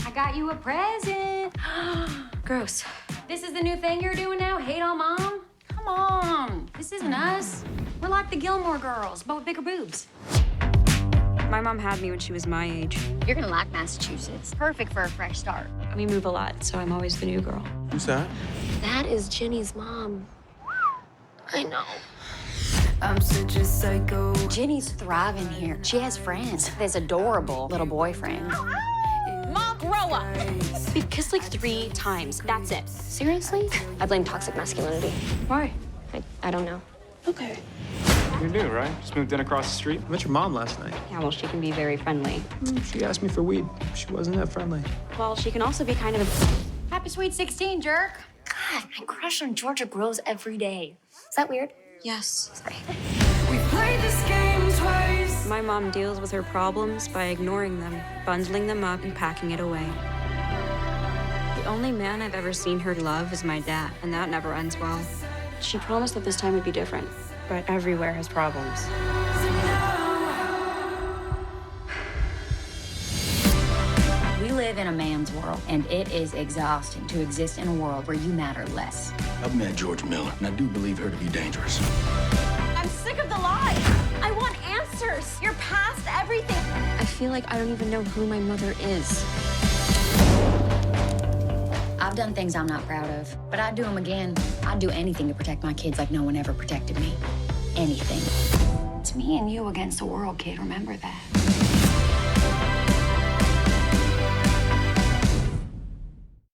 I got you a present. Gross. This is the new thing you're doing now? Hate on mom? Come on. This isn't us. We're like the Gilmore Girls, but with bigger boobs. My mom had me when she was my age. You're gonna like Massachusetts. Perfect for a fresh start. We move a lot, so I'm always the new girl. Who's that? That is Jenny's mom. I know. I'm such a psycho. Jenny's thriving here. She has friends. This adorable little boyfriend. Mom, grow up. We've kissed like 3 times. That's it. Seriously? I blame toxic masculinity. Why? I don't know. Okay. You're new, right? Just moved in across the street. I met your mom last night. Yeah, well, she can be very friendly. She asked me for weed. She wasn't that friendly. Well, she can also be kind of Happy sweet 16, jerk. God, I crush on Georgia girls every day. Is that weird? Yes. Sorry. We've played this game twice. My mom deals with her problems by ignoring them, bundling them up, and packing it away. The only man I've ever seen her love is my dad, and that never ends well. She promised that this time would be different, but everywhere has problems. We live in a man's world, and it is exhausting to exist in a world where you matter less. I've met George Miller, and I do believe her to be dangerous. I'm sick of the lies. I want answers. You're past everything. I feel like I don't even know who my mother is. I've done things I'm not proud of, but I'd do them again. I'd do anything to protect my kids like no one ever protected me. Anything. It's me and you against the world, kid. Remember that.